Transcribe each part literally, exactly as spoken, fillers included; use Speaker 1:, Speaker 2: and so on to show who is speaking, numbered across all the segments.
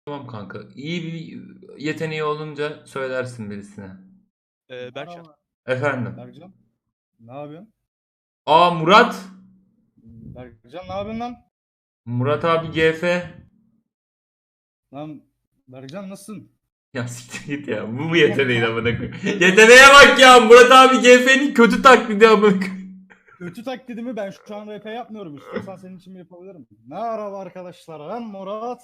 Speaker 1: Tamam kanka. İyi bir yeteneği olunca söylersin birisine.
Speaker 2: Ee, Berkcan.
Speaker 3: Merhaba
Speaker 1: Efendim.
Speaker 3: Berkcan. Ne yapıyorsun?
Speaker 1: Aa Murat.
Speaker 3: Berkcan ne yapıyorsun lan?
Speaker 1: Murat abi G F.
Speaker 3: Lan Berkcan nasılsın?
Speaker 1: Ya siktir git ya. Bu mu yeteneğin amına koyayım? Yeteneğe bak ya. Murat abi G F'nin kötü taklidi amına koyayım.
Speaker 3: Kötü taklidimi ben şu an R P yapmıyorum. İstiyorsan senin için yapabilirim. Merhaba arkadaşlar. Ben Murat.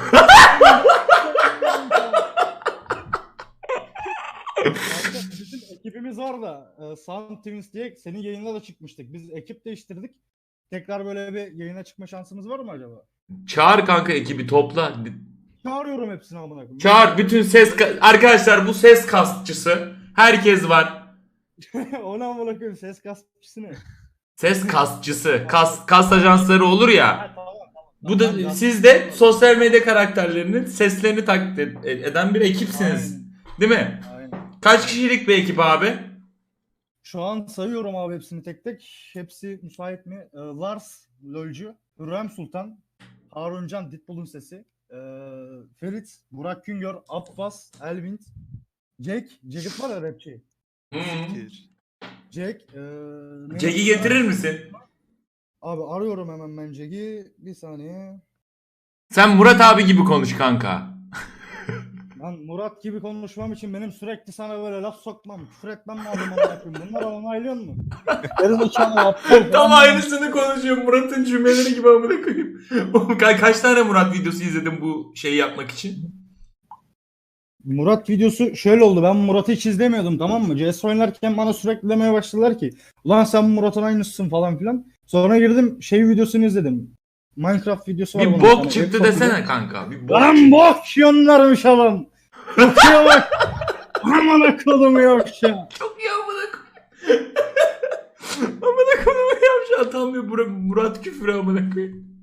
Speaker 3: Kanka, bizim ekibimiz var da e, Sound Twins diye senin yayında da çıkmıştık. Biz ekip değiştirdik. Tekrar böyle bir yayına çıkma şansımız var mı acaba?
Speaker 1: Çağır kanka ekibi topla.
Speaker 3: Çağırıyorum hepsini amına koyayım.
Speaker 1: Çağır bütün ses ka- arkadaşlar bu ses kastçısı. Herkes var.
Speaker 3: Ona amına koyayım, ses kastıcısı ne?
Speaker 1: Ses kastçısı. Kas kas ajansları olur ya.
Speaker 3: Ha, tamam, tamam.
Speaker 1: Bu
Speaker 3: Tamam,
Speaker 1: da
Speaker 3: ben-
Speaker 1: siz de sosyal medya karakterlerinin seslerini taklit ed- eden bir ekipsiniz.
Speaker 3: Aynen.
Speaker 1: Değil mi?
Speaker 3: Aynen.
Speaker 1: Kaç kişilik bir ekip abi?
Speaker 3: Şu an sayıyorum abi hepsini tek tek. Hepsi müsait mi? Ee, Lars, LoL'cu, Hürrem Sultan, Haruncan, Ditbull'un sesi, ee, Ferit, Burak Güngör, Abbas, Elvin, Jack, Jacket var ya rapçi.
Speaker 1: Hı.
Speaker 2: Siktir.
Speaker 3: Jack, ee, neydi?
Speaker 1: Jack'i getirir misin?
Speaker 3: Abi arıyorum hemen ben Jack'i. Bir saniye.
Speaker 1: Sen Murat abi gibi konuş kanka.
Speaker 3: Ben Murat gibi konuşmam için benim sürekli sana böyle laf sokmam, küfür etmem lazım amına koyayım. Bunları onaylıyor musun? Gerizekalı aptal.
Speaker 1: Tam aynısını konuşuyor Murat'ın cümleleri gibi amına koyayım. Oğlum ka- kaç tane Murat videosu izledin bu şeyi yapmak için?
Speaker 3: Murat videosu şöyle oldu. Ben Murat'ı hiç izlemiyordum, tamam mı? C S oynarken bana sürekli demeye başladılar ki ulan sen Murat'ın aynısısın falan filan. Sonra girdim şey videosunu izledim. Minecraft videosu var
Speaker 1: Bir
Speaker 3: bunun
Speaker 1: bok
Speaker 3: tane.
Speaker 1: çıktı
Speaker 3: Çok
Speaker 1: desene
Speaker 3: güzel.
Speaker 1: kanka. Bir bok
Speaker 3: Lan
Speaker 1: çıktı.
Speaker 3: bok yonlarmış adam. Bakıyor bak. Aman akıllım yok ya.
Speaker 1: Çok iyi amına koyayım. Amına koyayım yapmış atamıyor Murat, Murat küfürü amına koyayım.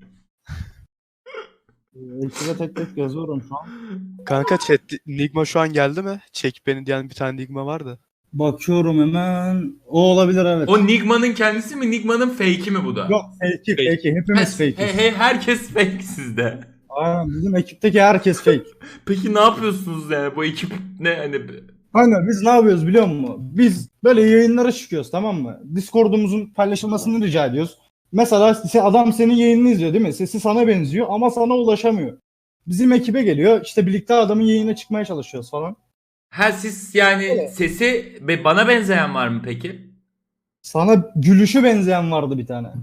Speaker 3: Ekibe tek tek yazıyorum şu an.
Speaker 2: Kanka chat Nigma şu an geldi mi? Çek beni diyen bir tane Nigma vardı.
Speaker 3: Bakıyorum hemen. O olabilir, evet.
Speaker 1: O Nigma'nın kendisi mi Nigma'nın fake'i mi bu da?
Speaker 3: Yok fake'i
Speaker 2: Fake.
Speaker 3: fake'i. Hepimiz
Speaker 1: He,
Speaker 3: fake'iz.
Speaker 1: he, herkes fake sizde.
Speaker 3: Aynen, bizim ekipteki herkes fake.
Speaker 1: Peki ne yapıyorsunuz yani bu ekip ne hani
Speaker 3: Aynen, biz ne yapıyoruz biliyor musun? Biz böyle yayınlara çıkıyoruz, tamam mı? Discord'umuzun paylaşılmasını rica ediyoruz. Mesela se- adam senin yayınını izliyor değil mi? Sesi sana benziyor ama sana ulaşamıyor. Bizim ekibe geliyor, işte birlikte adamın yayına çıkmaya çalışıyoruz falan.
Speaker 1: ha siz yani
Speaker 3: Evet.
Speaker 1: sesi be- bana benzeyen var mı peki?
Speaker 3: Sana gülüşü benzeyen vardı bir tane.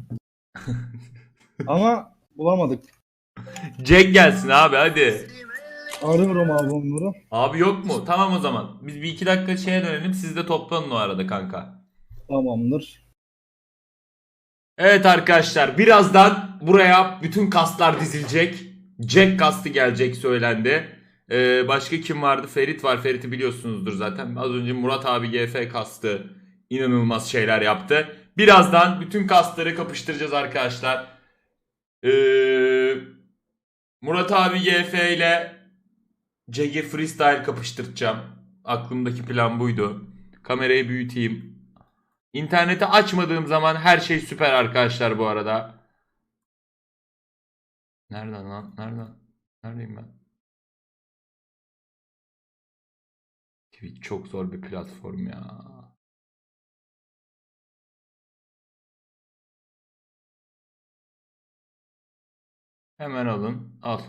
Speaker 3: Ama bulamadık.
Speaker 1: Jack gelsin abi hadi.
Speaker 3: Arıyorum abi onları.
Speaker 1: Abi yok mu? Tamam o zaman. Biz bir iki dakika şeye dönelim. Siz de toplanın o arada kanka.
Speaker 3: Tamamdır.
Speaker 1: Evet arkadaşlar birazdan buraya bütün kaslar dizilecek. Jack kastı gelecek söylendi. Ee, başka kim vardı? Ferit var. Ferit'i biliyorsunuzdur zaten. Az önce Murat abi G F kastı. İnanılmaz şeyler yaptı. Birazdan bütün kasları kapıştıracağız arkadaşlar. Ee, Murat abi G F ile Jack'i freestyle kapıştıracağım. Aklımdaki plan buydu. Kamerayı büyüteyim. İnterneti açmadığım zaman her şey süper arkadaşlar bu arada. Nereden lan? Nereden? Neredeyim ben? Twitch çok zor bir platform ya. Hemen alın. Al.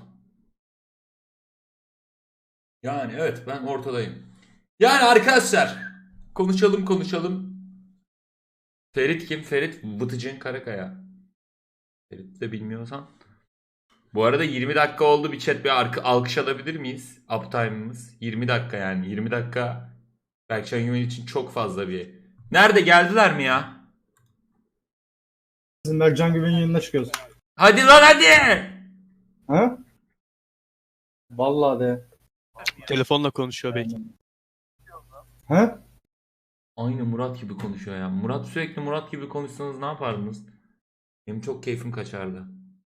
Speaker 1: Yani evet ben ortadayım. Yani arkadaşlar konuşalım konuşalım. Ferit kim? Ferit Vıtıcın Karakaya. Ferit de bilmiyorsan. Bu arada yirmi dakika oldu. Bir chat bir arka, alkış alabilir miyiz? Uptime'ımız. yirmi dakika yani. yirmi dakika Berkcan Güven için çok fazla bir. Nerede geldiler mi ya?
Speaker 3: Bizim Berkcan Güven'in yayınına çıkıyoruz.
Speaker 1: Hadi lan hadi.
Speaker 3: Ha? Vallahi de.
Speaker 2: Telefonla konuşuyor belki.
Speaker 3: Ha?
Speaker 1: Aynı Murat gibi konuşuyor ya. Murat sürekli Murat gibi konuşsanız ne yapardınız? Benim çok keyfim kaçardı.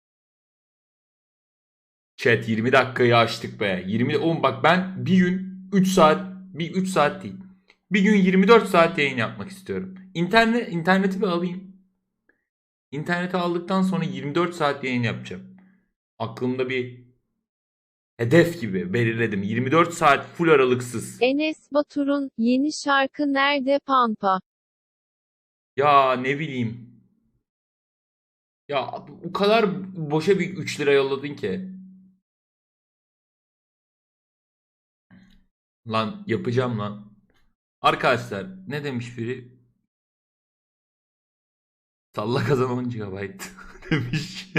Speaker 1: Chat yirmi dakikayı açtık be. yirmi oğlum bak ben bir gün üç saat bir üç saat değil. Bir gün yirmi dört saat yayın yapmak istiyorum. İnternet interneti bir alayım. İnterneti aldıktan sonra yirmi dört saat yayın yapacağım. Aklımda bir hedef gibi belirledim. yirmi dört saat full aralıksız.
Speaker 4: Enes Batur'un yeni şarkı Nerede Pampa?
Speaker 1: Ya ne bileyim. Ya o kadar boşa bir üç lira yolladın ki. Lan yapacağım lan. Arkadaşlar ne demiş biri? Salla kazan on gigabayt demiş.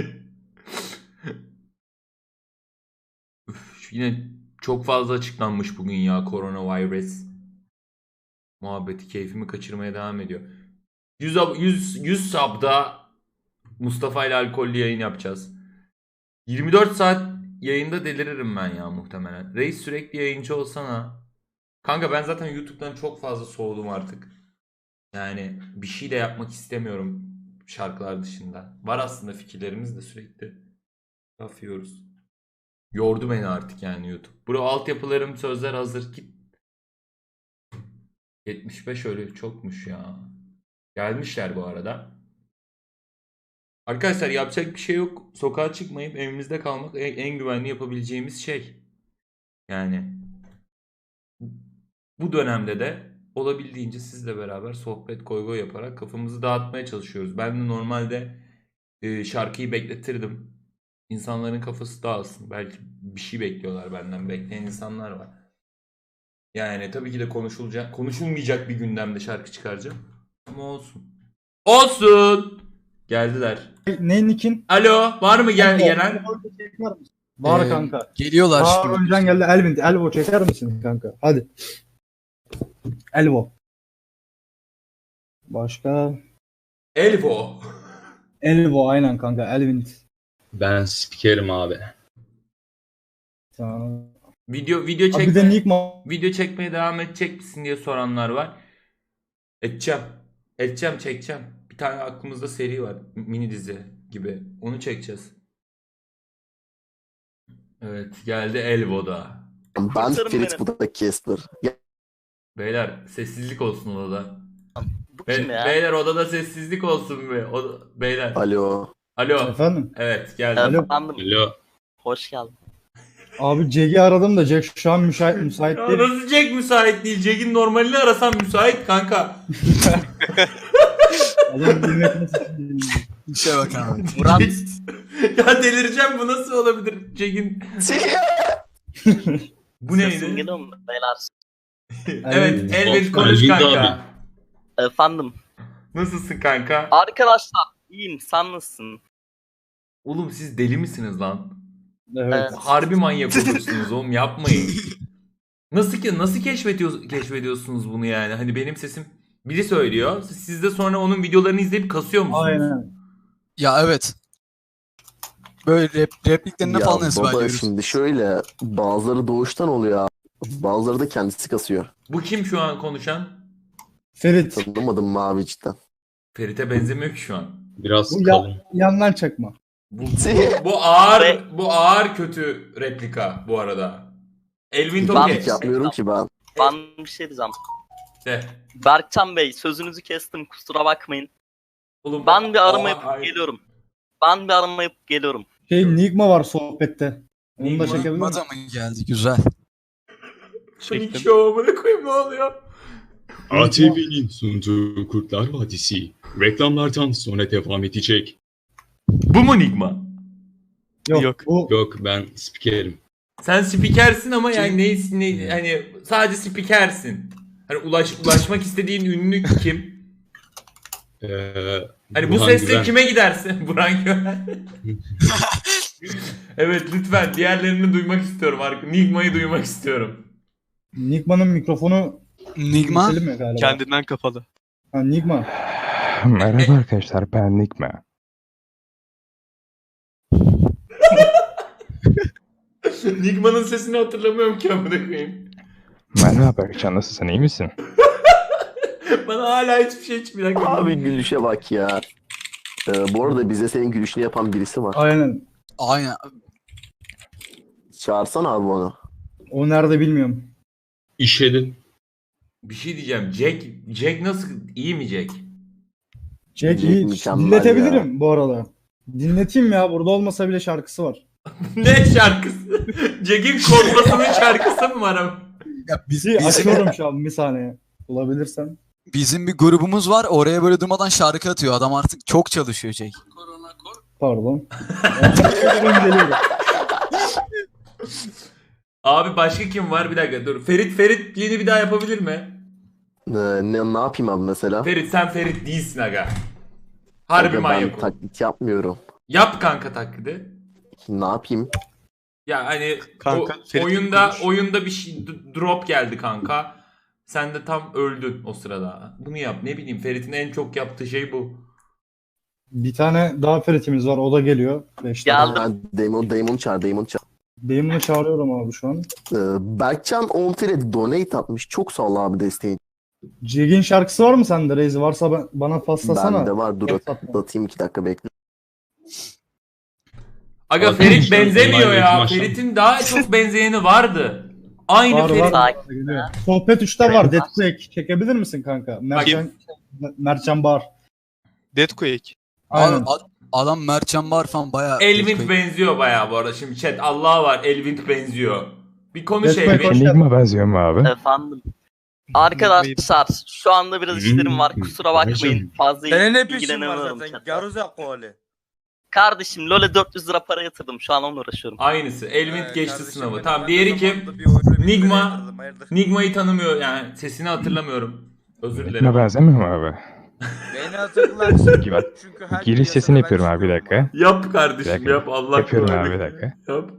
Speaker 1: Üf, yine çok fazla açıklanmış bugün ya koronavirüs. Muhabbeti keyfimi kaçırmaya devam ediyor. yüz, yüz, yüz sub'da Mustafa ile alkollü yayın yapacağız. yirmi dört saat yayında deliririm ben ya muhtemelen. Reis sürekli yayıncı olsana. Kanka ben zaten YouTube'dan çok fazla soğudum artık. Yani bir şey de yapmak istemiyorum şarkılar dışında. Var aslında fikirlerimiz de sürekli laf yiyoruz. Yordu beni artık yani YouTube. Bro altyapılarım sözler hazır git. yetmiş beş ölü çokmuş ya. Gelmişler bu arada. Arkadaşlar yapacak bir şey yok. Sokağa çıkmayıp evimizde kalmak en, en güvenli yapabileceğimiz şey. Yani bu dönemde de olabildiğince sizle beraber sohbet goy goy yaparak kafamızı dağıtmaya çalışıyoruz. Ben de normalde e, şarkıyı bekletirdim. İnsanların kafası dağılsın. Belki bir şey bekliyorlar benden. Bekleyen insanlar var. Yani tabii ki de konuşulacak, konuşulmayacak bir gündemde şarkı çıkaracağım. Ama olsun. Olsun. Geldiler.
Speaker 3: Ne Nick'in?
Speaker 1: Alo, var mı gel gelen?
Speaker 3: Var
Speaker 2: Ee,
Speaker 3: kanka.
Speaker 2: Geliyorlar
Speaker 3: Harun
Speaker 2: şimdi.
Speaker 3: Can geldi. Elvin. Elvo çeker misin kanka? Hadi. Elvo. Başka?
Speaker 1: Elvo.
Speaker 3: Elvo aynen kanka. Elvin.
Speaker 5: Ben spikerim abi.
Speaker 3: Tamam.
Speaker 1: Video video
Speaker 3: Abi bir de
Speaker 1: çekme,
Speaker 3: Nick ma-
Speaker 1: video çekmeye devam edecek misin diye soranlar var. Edeceğim. Edeceğim, çekeceğim. Bir tane aklımızda seri var. Mini dizi gibi. Onu çekeceğiz. Evet, geldi Elvo'da.
Speaker 6: Ben
Speaker 7: Kurtarın
Speaker 6: Ferit,
Speaker 7: beni.
Speaker 6: bu da Casper. Ya,
Speaker 1: Beyler sessizlik olsun odada.
Speaker 7: Bu
Speaker 1: Be-
Speaker 7: kim ya?
Speaker 1: beyler odada sessizlik olsun be. Oda- beyler.
Speaker 6: alo.
Speaker 1: Alo.
Speaker 3: Efendim?
Speaker 1: Evet geldi.
Speaker 3: Alo.
Speaker 7: Efendim,
Speaker 5: Alo.
Speaker 7: hoş geldin.
Speaker 3: Abi Jack'i aradım da Jack şu an müsait, müsait
Speaker 1: Ya
Speaker 3: değil.
Speaker 1: nasıl Jack müsait değil? Jack'in normalini arasam müsait kanka.
Speaker 3: Adam bilmek nasıl
Speaker 2: İşe bak abi.
Speaker 7: Murat,
Speaker 1: Ya delireceğim, bu nasıl olabilir Jack'in? Bu
Speaker 7: sesim
Speaker 1: neydi?
Speaker 7: geliyor mu beyler?
Speaker 1: Evet, Elvin konuş
Speaker 5: Elvin
Speaker 1: kanka.
Speaker 5: abi.
Speaker 7: Efendim,
Speaker 1: Nasılsın kanka?
Speaker 7: arkadaşlar iyiyim, sen nasılsın?
Speaker 1: Oğlum siz deli misiniz lan?
Speaker 3: Evet.
Speaker 1: Harbi manyak olursunuz oğlum, yapmayın. Nasıl ki nasıl keşfediyor, keşfediyorsunuz bunu yani? Hani benim sesim biri söylüyor. Siz de sonra onun videolarını izleyip kasıyor musunuz?
Speaker 3: Aynen.
Speaker 2: Ya evet. Böyle rep, repliklerine
Speaker 6: Ya
Speaker 2: falan
Speaker 6: baba,
Speaker 2: ezberliyoruz.
Speaker 6: şimdi şöyle, bazıları doğuştan oluyor abi. Bazıları da kendisi kasıyor.
Speaker 1: Bu kim şu an konuşan?
Speaker 3: Ferit.
Speaker 6: Tanımadım mavi cidden.
Speaker 1: Ferit'e benzemiyor ki şu an.
Speaker 5: Biraz
Speaker 3: Bu
Speaker 5: kalın.
Speaker 3: ya, yandan çakma.
Speaker 1: Bu, bu, bu ağır bu ağır kötü replika bu arada. Elvin
Speaker 7: Ben-
Speaker 1: Toke.
Speaker 6: Hiç yapmıyorum ki ben.
Speaker 7: Ben bir şey diyeceğim.
Speaker 1: De.
Speaker 7: Berkcan Bey, sözünüzü kestim, kusura bakmayın.
Speaker 1: Oğlum,
Speaker 7: Ben bir arama
Speaker 1: Aa,
Speaker 7: yapıp
Speaker 1: ay-
Speaker 7: geliyorum. Ben bir arama yapıp geliyorum.
Speaker 3: Şey Nigma var sohbette. Onu da
Speaker 1: Nigma-
Speaker 3: çekebilir miyim?
Speaker 2: Mada mı geldi? Güzel.
Speaker 1: Çektim. Şovumunu koyayım, ne oluyor?
Speaker 5: A T V'nin sunduğu Kurtlar Vadisi reklamlardan sonra devam edecek.
Speaker 1: Bu mu Nigma?
Speaker 3: Yok.
Speaker 2: Yok.
Speaker 3: Bu
Speaker 5: Yok, ben spikerim.
Speaker 1: Sen spikersin ama yani ne, ne hani sadece spikersin. Hani ulaş, ulaşmak istediğin ünlü kim?
Speaker 5: Ee,
Speaker 1: Hani bu
Speaker 5: Burhan
Speaker 1: sesle
Speaker 5: Güven.
Speaker 1: kime gidersin? Burhan Güven. Evet lütfen diğerlerini duymak istiyorum. Arka- Nigma'yı duymak istiyorum.
Speaker 3: Nigma'nın mikrofonu
Speaker 2: Nigma
Speaker 3: keselim mi galiba?
Speaker 2: kendinden kapalı.
Speaker 3: Ha, Nigma.
Speaker 8: Merhaba arkadaşlar, ben Nigma.
Speaker 1: Nigma'nın sesini hatırlamıyorum ki amına koyayım.
Speaker 8: Merhaba Berkcan, nasılsın, iyi misin?
Speaker 1: Bana hala hiçbir şey hiç bir dakika.
Speaker 6: Abi gülüşe bak ya. Ee, bu arada bize senin gülüşünü yapan birisi var.
Speaker 3: Aynen.
Speaker 2: Aynen.
Speaker 6: Çağırsana abi onu.
Speaker 3: O nerede bilmiyorum.
Speaker 5: İşedin.
Speaker 1: Bir şey diyeceğim. Jack Jack nasıl, iyi mi Jack?
Speaker 3: Jack
Speaker 6: Jack
Speaker 3: iyi.
Speaker 6: mükemmel
Speaker 3: Dinletebilirim bu arada. Dinleteyim ya. Burada olmasa bile şarkısı var.
Speaker 1: Ne şarkısı? Jack'in korkmasının şarkısı mı var ama?
Speaker 9: Ya biz,
Speaker 3: Bir
Speaker 9: bizim,
Speaker 3: açıyorum şu an bir saniye. Bulabilirsem.
Speaker 9: bizim bir grubumuz var. Oraya böyle durmadan şarkı atıyor. Adam artık çok çalışıyor Jake.
Speaker 3: Pardon. Ben geliyorum.
Speaker 1: Abi başka kim var? Bir dakika dur. Ferit Ferit yeni bir daha yapabilir mi?
Speaker 6: Ee, ne, ne yapayım abi mesela?
Speaker 1: Ferit sen Ferit değilsin aga. Harbi
Speaker 6: Aga,
Speaker 1: manyak
Speaker 6: ben
Speaker 1: ol.
Speaker 6: taklit yapmıyorum.
Speaker 1: Yap kanka taklidi.
Speaker 6: Ne yapayım?
Speaker 1: Ya hani
Speaker 2: Kanka,
Speaker 1: o-
Speaker 2: Ferit
Speaker 1: oyunda
Speaker 2: konuş.
Speaker 1: oyunda bir şey d- drop geldi kanka. Sen de tam öldün o sırada. Bunu yap. Ne bileyim Ferit'in en çok yaptığı şey bu.
Speaker 3: Bir tane daha Ferit'imiz var. O da geliyor. Beş
Speaker 7: Geldim.
Speaker 3: tane.
Speaker 6: Ben Damon, Damon çağır, Damon çağır.
Speaker 3: Damon'u çağırıyorum abi şu an.
Speaker 6: Ee, Berkcan on F'ye donate atmış. Çok sağ ol abi desteğin.
Speaker 3: Jig'in şarkısı var mı sende Reis? Varsa ben, bana paslasana.
Speaker 6: Bende var. Dur
Speaker 3: WhatsApp'tan.
Speaker 6: atayım iki dakika bekle.
Speaker 1: Aga
Speaker 5: Arkadaşlar,
Speaker 1: Ferit benzemiyor
Speaker 5: olay
Speaker 1: ya.
Speaker 5: başladı.
Speaker 1: Ferit'in daha çok benzeyeni vardı. Aynı
Speaker 3: Var,
Speaker 1: Ferit.
Speaker 3: var, var.
Speaker 7: Sakin.
Speaker 3: Geliyor. Sohbet üçte var. Deadquake. Çekebilir misin kanka? Mertcan, Mertcan Bar.
Speaker 2: Deadquake.
Speaker 3: Aynen.
Speaker 9: Abi, ad- adam Mertcan Bar falan bayağı...
Speaker 1: Elvin benziyor bayağı bu arada. Şimdi chat Allah var. Elvin benziyor. Bir konuş
Speaker 3: Destek
Speaker 1: Elvin.
Speaker 3: hoş-
Speaker 8: Enigma benziyor mu abi?
Speaker 7: Efendim. Arkadaşlar şu anda biraz işlerim var.
Speaker 5: Hmm,
Speaker 7: Kusura bakmayın.
Speaker 5: hocam.
Speaker 7: Fazla
Speaker 10: Senin ne peşin var
Speaker 7: ilgilenemiyorum
Speaker 10: zaten?
Speaker 7: chatle.
Speaker 10: Garuza koli.
Speaker 7: Kardeşim LoL'e dört yüz lira para yatırdım. Şu an onunla uğraşıyorum.
Speaker 1: Aynısı. Elvin
Speaker 10: Ee,
Speaker 1: geçti
Speaker 10: kardeşim
Speaker 1: sınavı.
Speaker 10: benim,
Speaker 1: Tamam
Speaker 10: ben
Speaker 1: diğeri
Speaker 10: de
Speaker 1: kim?
Speaker 10: zamanında bir oyuna bir
Speaker 1: Nigma.
Speaker 10: lira yatırdım, hayırdır?
Speaker 1: Nigma'yı tanımıyor yani. Sesini hatırlamıyorum. Özür
Speaker 8: Enigma
Speaker 1: dilerim.
Speaker 8: benzemiyor mu abi?
Speaker 10: Beni hatırlarsın.
Speaker 8: Peki bak.
Speaker 10: Çünkü her
Speaker 8: Giriş
Speaker 10: piyasada
Speaker 8: sesini
Speaker 10: ben
Speaker 8: yapıyorum abi bir
Speaker 10: çıkıyorum.
Speaker 8: dakika.
Speaker 1: Yap kardeşim
Speaker 8: Bir dakika.
Speaker 1: yap. Allah
Speaker 8: Yapıyorum
Speaker 1: korusun.
Speaker 8: abi, bir dakika.
Speaker 1: Yap.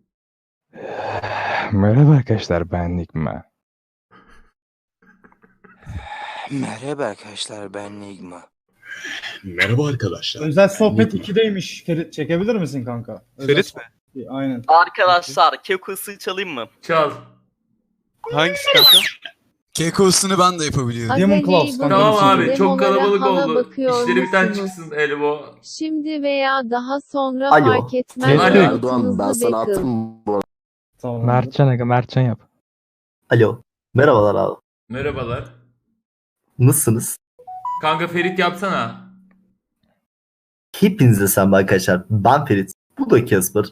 Speaker 8: Merhaba arkadaşlar ben Enigma.
Speaker 10: Merhaba arkadaşlar ben Nigma.
Speaker 5: Merhaba arkadaşlar.
Speaker 3: Özel sohbet
Speaker 5: Nigma.
Speaker 3: ikideymiş. Ferit çekebilir misin kanka? Özel
Speaker 2: Ferit mi?
Speaker 3: sohbet- Aynen.
Speaker 7: Arkadaşlar Keku'su çalayım mı?
Speaker 1: Çal.
Speaker 2: Hangisi kanka?
Speaker 9: Keko'sunu ben de yapabiliyorum.
Speaker 3: Demon
Speaker 4: Azale'yi
Speaker 3: Claws kanka.
Speaker 1: Tamam
Speaker 3: Tamam
Speaker 1: abi çok
Speaker 4: Demolara
Speaker 1: kalabalık
Speaker 4: hala
Speaker 1: oldu.
Speaker 4: bakıyor
Speaker 1: İşleri bir tane
Speaker 4: musunuz?
Speaker 1: çıksın Elvo.
Speaker 4: Şimdi veya daha sonra
Speaker 6: Alo.
Speaker 4: fark etmez.
Speaker 1: Alo.
Speaker 6: Erdoğan ben sana
Speaker 4: Bakın.
Speaker 6: attım bu arada.
Speaker 3: Tamam.
Speaker 8: Mertcan aga Mertcan yap.
Speaker 6: Alo. Merhabalar abi.
Speaker 1: Merhabalar.
Speaker 6: Nasılsınız?
Speaker 1: Kanka Ferit yapsana.
Speaker 6: Hepinize selam arkadaşlar. Ben Ferit. Bu da Casper.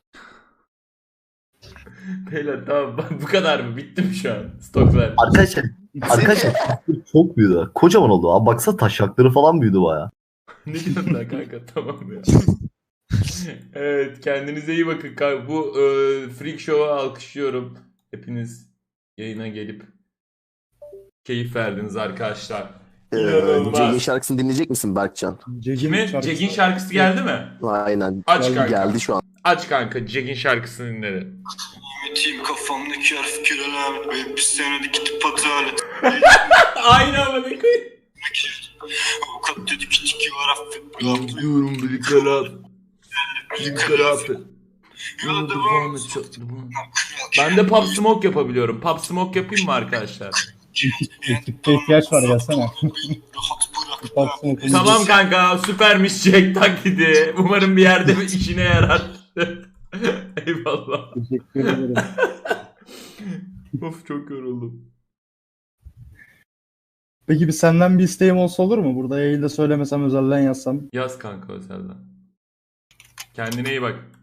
Speaker 1: Beyler tamam bu kadar mı? Bitti mi şu an? Stoklar.
Speaker 6: Arkadaşlar arkadaşlar çok büyüdü. Kocaman oldu. Abi baksana taşakları falan büyüdü baya.
Speaker 1: Ne diyorsun lan kanka tamam ya. Evet kendinize iyi bakın kanka. Bu e, Freak Show'a alkışlıyorum. Hepiniz yayına gelip keyif verdiniz arkadaşlar. İnanılmaz.
Speaker 6: Jack'in şarkısını dinleyecek misin Berkcan?
Speaker 1: Kimin? Jack'in şarkısı geldi mi?
Speaker 6: Aynen.
Speaker 1: Aç
Speaker 6: Geldi,
Speaker 1: kanka.
Speaker 6: geldi şu an.
Speaker 1: Aç kanka Jack'in şarkısını dinle.
Speaker 11: Team kafamdaki harf kiralamet ve bir senede gidip hata et.
Speaker 1: Aynı ama ne koyayım.
Speaker 11: Avukat dedi ki tiki var affet.
Speaker 1: Diyorum bir karar. Bir karar.
Speaker 11: Yola devam et.
Speaker 1: Ben de Pop Smoke yapabiliyorum. Pop Smoke yapayım mı arkadaşlar?
Speaker 3: Ekipte ihtiyaç var gelsene.
Speaker 11: Rahat bırak.
Speaker 3: Baksana,
Speaker 1: Tamam kanka süpermiş Jack taklidi. Umarım bir yerde bir işine yarar. Eyvallah.
Speaker 3: Teşekkür ederim.
Speaker 1: Of çok yoruldum.
Speaker 3: Peki bir senden bir isteğim olsa olur mu? Burada yayında söylemesem özelden yazsam.
Speaker 1: Yaz kanka özelden. Kendine iyi bak.